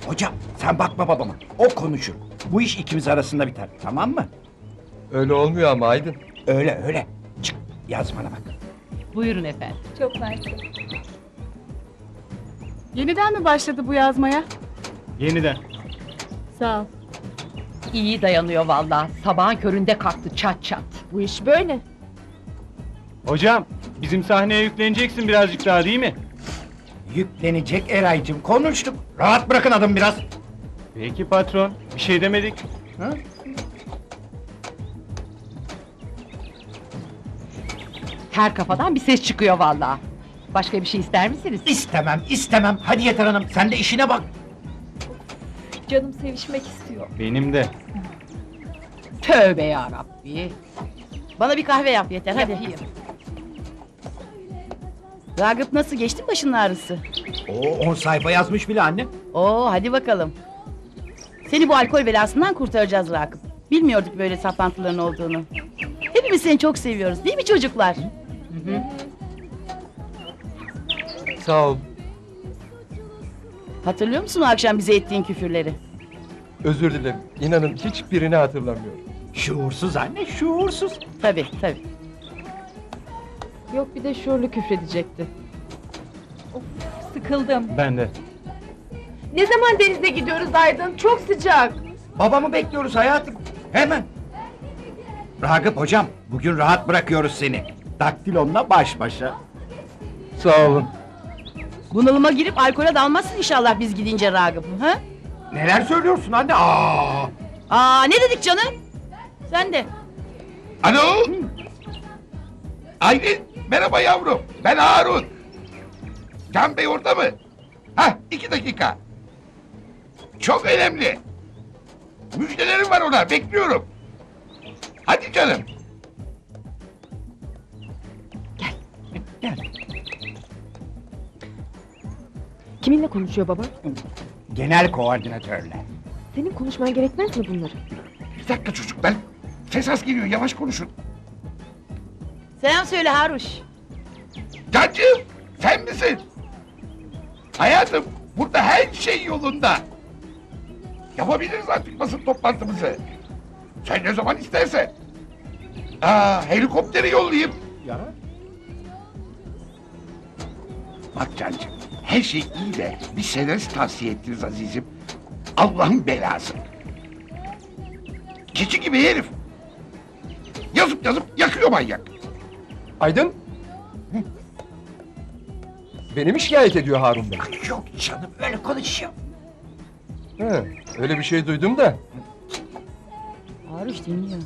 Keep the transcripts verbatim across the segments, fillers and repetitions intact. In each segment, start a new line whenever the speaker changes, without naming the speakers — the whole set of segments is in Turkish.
Hocam sen bakma babama. O konuşur. Bu iş ikimiz arasında biter. Tamam mı?
Öyle olmuyor ama Aydın.
Öyle öyle. Çık yazmana bak.
Buyurun efendim.
Çok mersi.
Yeniden mi başladı bu yazmaya?
Yeniden.
Sağ ol.
İyi dayanıyor vallahi. Sabahın köründe kalktı çat çat.
Bu iş böyle.
Hocam, bizim sahneye yükleneceksin birazcık daha değil mi?
Yüklenecek Eraycığım, konuştuk. Rahat bırakın adamı biraz.
Peki patron, bir şey demedik.
Ha?
Her kafadan bir ses çıkıyor vallahi. Başka bir şey ister misiniz?
İstemem, istemem. Hadi yeter hanım, sen de işine bak.
Canım sevişmek istiyor.
Benim de.
Tövbe yarabbi.
Bana bir kahve yap yeter hadi.
Yapayım.
Ragıp nasıl geçti başının ağrısı?
Oo, on sayfa yazmış bile anne.
Oo hadi bakalım. Seni bu alkol belasından kurtaracağız Ragıp. Bilmiyorduk böyle saplantıların olduğunu. Hepimiz seni çok seviyoruz değil mi çocuklar?
Sağ ol.
Hatırlıyor musun o akşam bize ettiğin küfürleri?
Özür dilerim. İnanın hiçbirini hatırlamıyorum.
Şuursuz anne, şuursuz.
Tabii tabii.
Yok bir de şuurlu küfredecekti. Of sıkıldım.
Ben de.
Ne zaman denize gidiyoruz Aydın? Çok sıcak.
Babamı bekliyoruz hayatım. Hemen. Ragıp hocam, bugün rahat bırakıyoruz seni. Daktilonla baş başa.
Sağ olun.
Bunalıma girip alkole dalmazsın inşallah biz gidince Ragıp. Ha?
Neler söylüyorsun anne? Aa!
Aa ne dedik canım? Sen de.
Alo! Aylin, merhaba yavrum. Ben Harun. Can Bey orada mı? Hah, iki dakika. Çok önemli. Müjdelerim var ona, bekliyorum. Hadi canım.
Kiminle konuşuyor baba?
Genel koordinatörle.
Senin konuşman gerekmez mi bunları?
Bir dakika çocuklar. Ses az geliyor, yavaş konuşun.
Selam söyle Haruş.
Cancığım, sen misin? Hayatım, burada her şey yolunda. Yapabiliriz artık basın toplantımızı. Sen ne zaman istersen. Aa, helikopteri yollayayım.
Ya.
Bak Cancığım, her şey iyi de bir senarist tavsiye ettiniz azizim. Allah'ın belası. Keçi gibi herif. Yazıp yazıp yakıyor manyak.
Aydın? Beni mi şikayet ediyor Harun Bey?
Yok canım, öyle konuşuyor.
He, öyle bir şey duydum da.
Haruş dinliyor.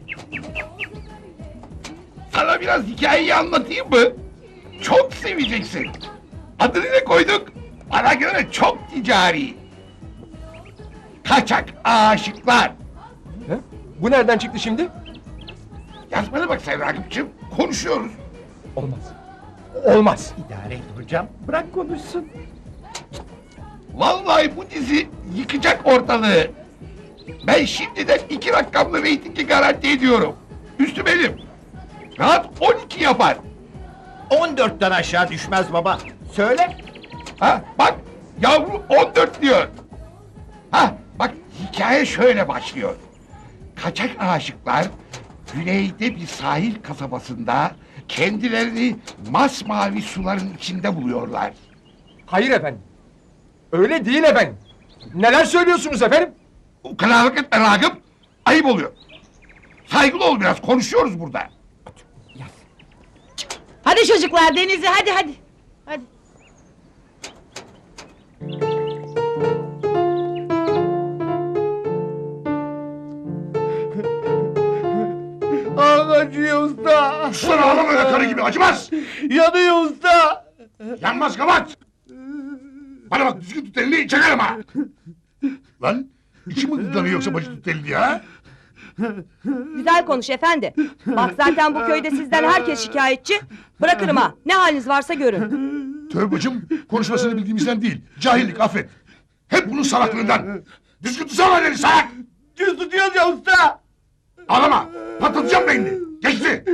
Sana biraz hikayeyi anlatayım mı? Çok seveceksin. Adını ne koyduk? Bana göre çok ticari. Kaçak aşıklar.
He? Bu nereden çıktı şimdi?
Yazmana bak sen Ragıp'cığım. Konuşuyoruz.
Olmaz. Olmaz.
İdare et hocam, bırak konuşsun.
Vallahi bu dizi yıkacak ortalığı. Ben şimdiden iki rakamlı reytingi garanti ediyorum. Üstü benim. Rahat on iki yapar.
on dörtten aşağı düşmez baba. Söyle.
Ha bak yavru on dört diyor. Ha bak hikaye şöyle başlıyor. Kaçak aşıklar güneyde bir sahil kasabasında kendilerini masmavi suların içinde buluyorlar.
Hayır efendim. Öyle değil efendim. Neler söylüyorsunuz efendim?
O kadarlık etme Ragıp. Ayıp oluyor. Saygılı ol biraz, konuşuyoruz burada.
Hadi çocuklar denize hadi hadi. Hadi.
Ah acıyor usta.
Sana ağlama öyle karı gibi, acımaz.
Yanıyor usta.
Yanmaz kapat. Bana bak, düzgün tut elini, çakarım ha. Lan içi mi gıdanıyor yoksa bacı tut elini ya?
Güzel konuş efendi. Bak zaten bu köyde sizden herkes şikayetçi. Bırakırım ha. Ne haliniz varsa görün.
Tövbe bacım, konuşmasını bildiğimizden değil. Cahillik, affet. Hep bunun salaklığından. Düzgün tutsana elini salak.
Düz tutuyoruz ya usta.
Ağlama, patlatacağım beynini. Geçti.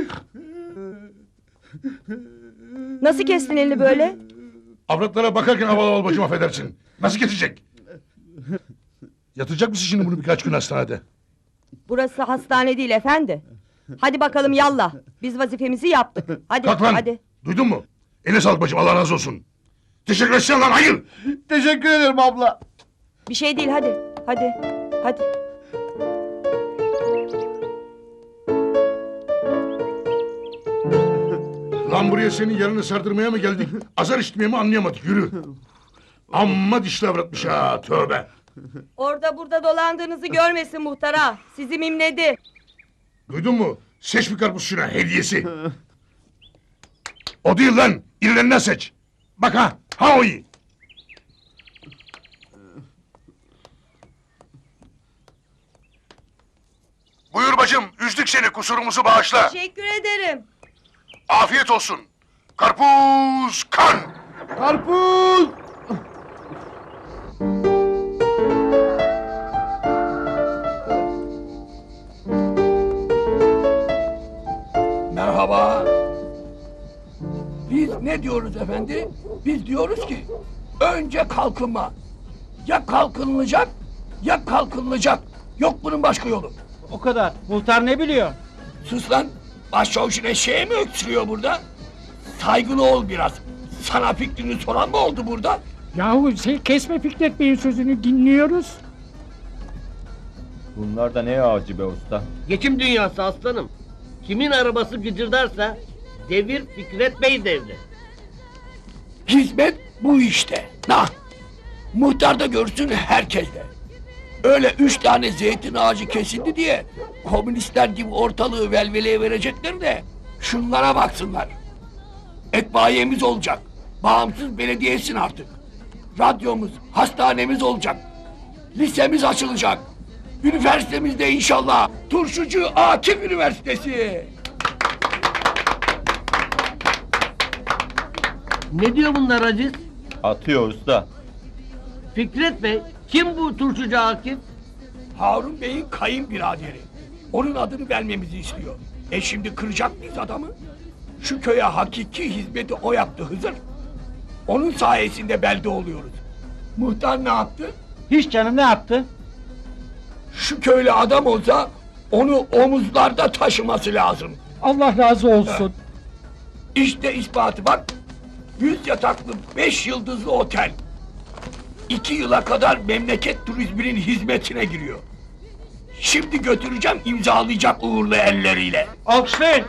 Nasıl kestin elini böyle?
Avratlara bakarken havalı ol bacım, affedersin. Nasıl kesecek? Yatacak mısın şimdi bunu birkaç gün hastanede?
Burası hastane değil efendi. Hadi bakalım yallah. Biz vazifemizi yaptık. Hadi
Kalk lan.
hadi.
Duydun mu? Eline sağlık bacım, Allah razı olsun. Teşekkür etsene lan, hayır.
Teşekkür ederim abla.
Bir şey değil hadi. Hadi. Hadi.
Lan buraya senin yarını sardırmaya mı geldik? Azar işitmeye mi anlayamadık, yürü. Amma dişli avratmış ha, tövbe.
Orada burada dolandığınızı görmesin muhtara. Sizi mimledi.
Duydun mu? Seç bir karpuz şuna, hediyesi. O değil lan, irilerinden seç. Bak ha, ha o iyi. Buyur bacım, üzdük seni, kusurumuzu bağışla.
Teşekkür ederim.
Afiyet olsun. Karpuz kan.
Karpuz.
Merhaba. Biz ne diyoruz efendi? Biz diyoruz ki önce kalkınma. Ya kalkınılacak ya kalkınılacak. Yok bunun başka yolu.
O kadar. Muhtar ne biliyor?
Sus lan. Başçavuşun eşeği mi öksürüyor burada? Saygılı ol biraz. Sana fikrini soran mı oldu burada?
Yahu şey kesme Fikret Bey'in sözünü dinliyoruz.
Bunlar da ne ağacı be usta?
Geçim dünyası aslanım. Kimin arabası gıcırdarsa devir Fikret Bey devri.
Hizmet bu işte. Nah. Muhtar da görsün, herkes de. Öyle üç tane zeytin ağacı kesildi diye komünistler gibi ortalığı velveleye verecekler de şunlara baksınlar. Etbaiyemiz olacak. Bağımsız belediyesin artık. Radyomuz, hastanemiz olacak. Lisemiz açılacak. Üniversitemiz de inşallah Turşucu Akif Üniversitesi.
Ne diyor bunlar aciz?
Atıyor usta.
Fikret Bey, kim bu turşucu Akif?
Harun Bey'in kayınbiraderi. Onun adını vermemizi istiyor. E şimdi kıracak mıyız adamı? Şu köye hakiki hizmeti o yaptı Hızır. Onun sayesinde belde oluyoruz. Muhtar ne yaptı?
Hiç canım ne yaptı?
Şu köylü adam olsa onu omuzlarda taşıması lazım.
Allah razı olsun.
İşte ispatı bak. Yüz yataklı beş yıldızlı otel. İki yıla kadar memleket turizminin hizmetine giriyor. Şimdi götüreceğim, imzalayacak uğurlu elleriyle.
Alkışlayın.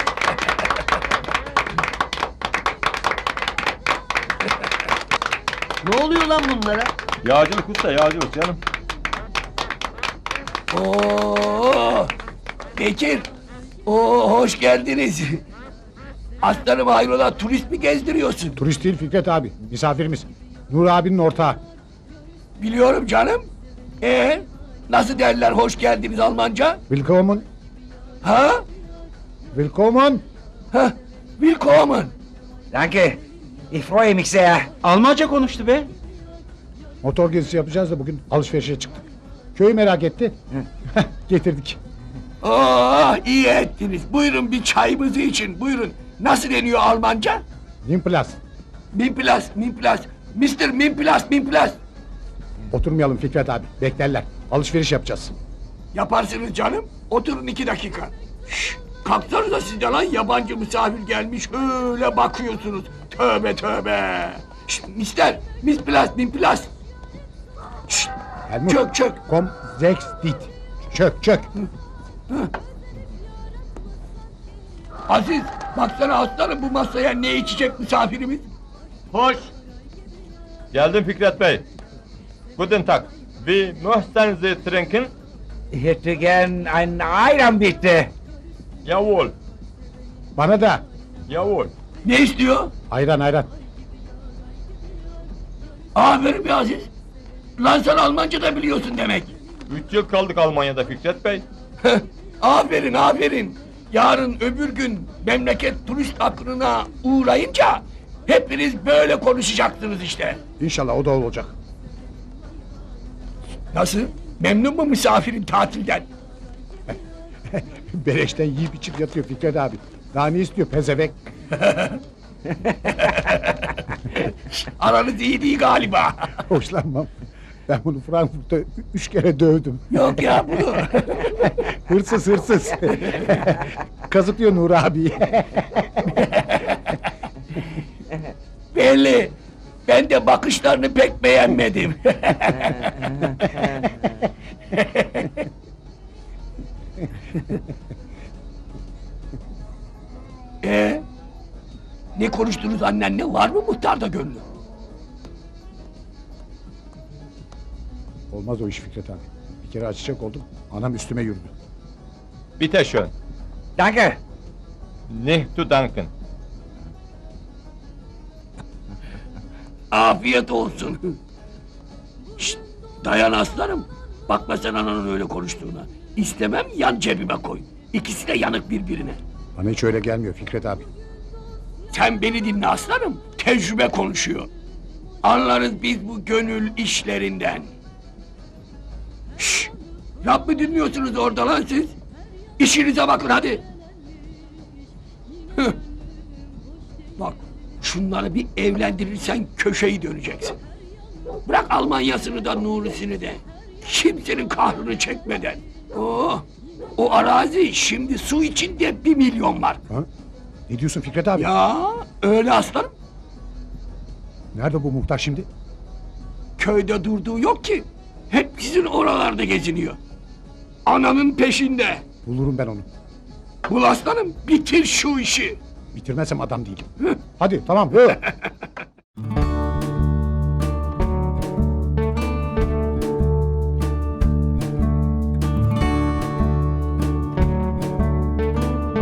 Ne oluyor lan bunlara?
Yağcılık usta, yağcılık canım.
Oo, Bekir. Oo, hoş geldiniz. Aslanım hayrola, turist mi gezdiriyorsun?
Turist değil Fikret abi, misafirimiz. Nur abinin ortağı.
Biliyorum canım. Ee, nasıl derler hoş geldiniz Almanca?
Willkommen,
Ha?
willkommen.
Ha? Willkommen.
Danke. Ich freue mich sehr.
Almanca konuştu be.
Motor gezisi yapacağız da bugün alışverişe çıktık. Köyü merak etti. Getirdik.
Oh, iyi ettiniz. Buyurun bir çayımızı için, buyurun. Nasıl deniyor Almanca?
Nimplas.
Minplas, Minplas. mister Minplas, Minplas.
Oturmayalım Fikret abi, beklerler. Alışveriş yapacağız.
Yaparsınız canım. Oturun iki dakika. Şşş, kalksanıza siz de lan, yabancı misafir gelmiş öyle bakıyorsunuz. Tövbe tövbe. Şşt, mister, Minplas, Minplas. Şşt,
Helmut,
çök çök.
Kom, sechs, dit. Çök, çök.
Aziz, baksana aslanım bu masaya ne içecek misafirimiz?
Hoş.
Geldim Fikret Bey. Guten Tag. Wie möchten Sie trinken?
Ich hätte gern einen Ayran bitte.
Jawohl,
Bana da.
jawohl.
Ne istiyor?
Ayran ayran.
Aferin be Aziz. Lan sen Almanca da biliyorsun demek.
Üç yıl kaldık Almanya'da Fikret Bey.
Aferin aferin. Yarın öbür gün memleket turist akınına uğrayınca hepiniz böyle konuşacaksınız işte.
İnşallah o da olacak.
Nasıl? Memnun mu misafirin tatilden?
Beleşten yiyip içip yatıyor Fikret abi. Daha ne istiyor pezevenk?
Aranız iyi değil galiba.
Hoşlanmam. Ben bunu Frankfurt'ta üç kere dövdüm.
Yok ya bu.
Hırsız hırsız. Kazıklıyor Nur abi.
Belli. Ben de bakışlarını pek beğenmedim. Ee, ne konuştunuz annenle? Var mı muhtarda gönlü?
Olmaz o iş Fikret abi. Bir kere açacak oldum. Anam üstüme yürüdü.
Bitte schön.
Danke.
Nicht zu danken.
Afiyet olsun. Şşt, dayan aslanım. Bakma sen ananın öyle konuştuğuna. İstemem yan cebime koy. İkisi de yanık birbirine.
Bana hiç öyle gelmiyor Fikret abi.
Sen beni dinle aslanım. Tecrübe konuşuyor. Anlarız biz bu gönül işlerinden. Şşş! Laf mı dinliyorsunuz orada lan siz? İşinize bakın hadi. Hıh. Bak şunları bir evlendirirsen köşeyi döneceksin. Bırak Almanya'sını da Nuri'sini de. Kimsenin kahrını çekmeden. Oh, o arazi şimdi su içinde bir milyon var.
Ha? Ne diyorsun Fikret abi?
Ya öyle aslanım.
Nerede bu muhtar şimdi?
Köyde durduğu yok ki. Hep sizin oralarda geziniyor. Ananın peşinde.
Bulurum ben onu.
Bul aslanım bitir şu işi.
Bitirmezsem adam değilim. Hadi tamam. Hı.